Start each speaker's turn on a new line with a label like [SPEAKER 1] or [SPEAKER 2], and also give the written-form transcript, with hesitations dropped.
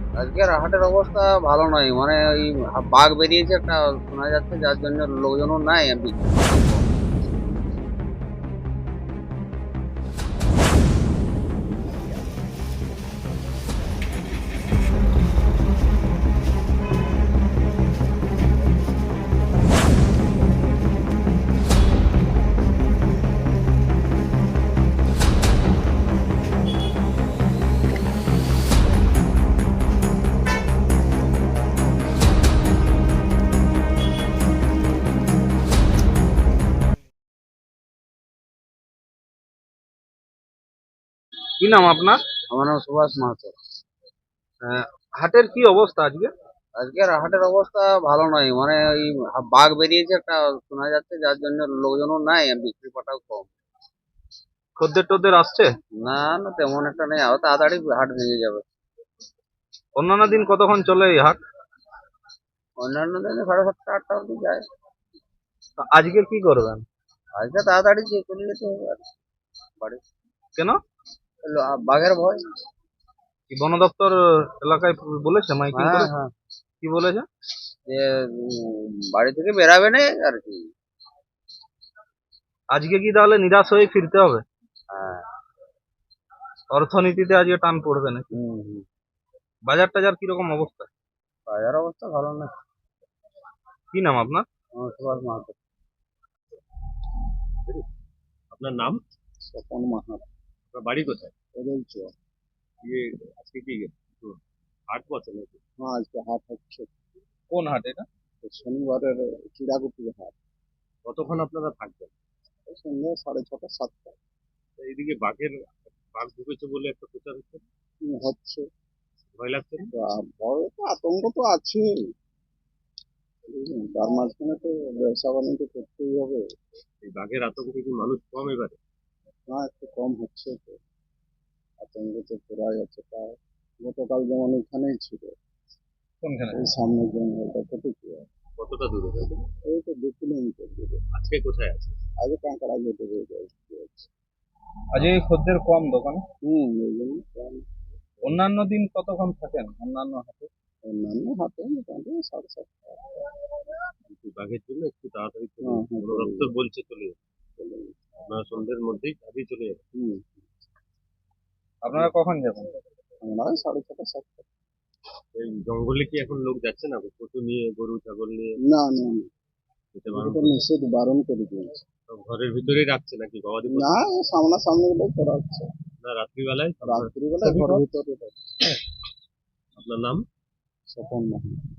[SPEAKER 1] আজকের হাটের অবস্থা ভালো নয়, মানে ওই বাঘ বেরিয়েছে একটা শোনা যাচ্ছে, যার জন্য লোকজনও নাই আর বিক্রি বাটাও কম।
[SPEAKER 2] কি নাম আপনার?
[SPEAKER 1] আমার নাম সুভাষ মাহাতো।
[SPEAKER 2] আহ, হাটের কি অবস্থা আজকে?
[SPEAKER 1] আজকের হাটের অবস্থা ভালো নয়, মানে ওই বাঘ বেরিয়েছে একটা শোনা যাচ্ছে, যার জন্য লোকজনও নাই আর বিক্রি বাটাও কম।
[SPEAKER 2] খদ্দের টদ্দের আসছে?
[SPEAKER 1] না না, তেমন একটা নেই, আরো তাড়াতাড়ি হাট ভেঙে যাবে।
[SPEAKER 2] অন্যান্য দিন কতক্ষণ চলে এই হাট?
[SPEAKER 1] অন্যান্য দিনে 7:30 8টা অব্দি যায়।
[SPEAKER 2] তা আজকে কি করবেন?
[SPEAKER 1] আজকে তাড়াতাড়ি চলে যেতে হবে আর বাড়ি।
[SPEAKER 2] কেন?
[SPEAKER 1] বাঘের ভয়।
[SPEAKER 2] কি বন দপ্তর এলাকায় বলেছে, মাইকিং
[SPEAKER 1] হ্যাঁ
[SPEAKER 2] করে?
[SPEAKER 1] হ্যাঁ,
[SPEAKER 2] কি বলেছে?
[SPEAKER 1] যে বাড়ি থেকে বেরাবে না আর কি।
[SPEAKER 2] আজকে কি তাহলে নিরাশ হয়ে ফিরতে হবে?
[SPEAKER 1] হ্যাঁ।
[SPEAKER 2] অর্থনীতিতে আজকে টান পড়বে নাকি?
[SPEAKER 1] হুম হুম।
[SPEAKER 2] বাজার টাজার কিরকম অবস্থা?
[SPEAKER 1] বাজার অবস্থা ভালো না।
[SPEAKER 2] কি নাম আপনার?
[SPEAKER 1] আমার সুভাষ মাহাতো।
[SPEAKER 2] আপনার নাম?
[SPEAKER 1] স্বপন মাহাতো।
[SPEAKER 2] আপনার বাড়ি কোথায়?
[SPEAKER 1] বলছো।
[SPEAKER 2] ইয়ে, আজকে কি হাট বসে নাকি?
[SPEAKER 1] হ্যাঁ, আজকে হাট হচ্ছে।
[SPEAKER 2] কোন হাট এটা?
[SPEAKER 1] শনিবারের চিড়াগুটির হাট।
[SPEAKER 2] কতক্ষণ আপনারা থাকবেন?
[SPEAKER 1] সন্ধ্যা 6:30 7টা।
[SPEAKER 2] এইদিকে বাঘ ঢুকেছে বলে একটা প্রচার হচ্ছে,
[SPEAKER 1] হচ্ছে।
[SPEAKER 2] ভয় লাগছে না?
[SPEAKER 1] ভয় তো আতঙ্ক তো আছে। তার মাঝখানে তো ব্যবসা বাণিজ্য করতেই হবে।
[SPEAKER 2] এই বাঘের আতঙ্কে কি মানুষ কম এবারে?
[SPEAKER 1] না, একটু কম হচ্ছে তো। আতঙ্ক তো পুরাই আছে প্রায়। গতকাল যেমন এখানেই ছিল,
[SPEAKER 2] কোনখানে?
[SPEAKER 1] ওই সামনের জঙ্গলটা কতটুকু।
[SPEAKER 2] কতটা দূরে যাবে?
[SPEAKER 1] এই তো 2 কিলোমিটার দূরে।
[SPEAKER 2] আজকে কোথায় আছে?
[SPEAKER 1] আগে কাঁকড়া যেতে হয়ে যায়।
[SPEAKER 2] আজকে খদ্দের কম দোকানে।
[SPEAKER 1] ওই জন্য কম।
[SPEAKER 2] অন্যান্য দিন কতক্ষণ থাকেন অন্যান্য হাটে?
[SPEAKER 1] অন্যান্য হাটে মোটামুটি 7:30
[SPEAKER 2] বাঘের জন্য একটু তাড়াতাড়ি চলে
[SPEAKER 1] হ্যাঁ
[SPEAKER 2] যাবে,
[SPEAKER 1] হ্যাঁ,
[SPEAKER 2] বন
[SPEAKER 1] চলে
[SPEAKER 2] দপ্তর
[SPEAKER 1] যাবে,
[SPEAKER 2] বলছে চলে যাবে।
[SPEAKER 1] চলে যাবে।
[SPEAKER 2] আপনারা সন্ধ্যের মধ্যেই কাজে চলে যাবে।
[SPEAKER 1] হুম।
[SPEAKER 2] আপনারা কখন যাবেন?
[SPEAKER 1] আমরা ওই 6:30 7টা।
[SPEAKER 2] এই জঙ্গলে কি এখন লোক যাচ্ছে না, পশু নিয়ে, গরু ছাগল নিয়ে?
[SPEAKER 1] না না না,
[SPEAKER 2] যেতে
[SPEAKER 1] এটা
[SPEAKER 2] বারণ
[SPEAKER 1] তো
[SPEAKER 2] করছে?
[SPEAKER 1] নিষেধ বারণ করে দিয়েছে।
[SPEAKER 2] সব ঘরের ভিতরেই রাখছে নাকি গবাদি
[SPEAKER 1] না,
[SPEAKER 2] পশু?
[SPEAKER 1] সামনাসামনি গুলোই করা হচ্ছে।
[SPEAKER 2] না রাত্রিবেলায় আপনার?
[SPEAKER 1] রাত্রিবেলায় ঘরের ভিতরে।
[SPEAKER 2] আপনার নাম?
[SPEAKER 1] স্বপন মাহাতো।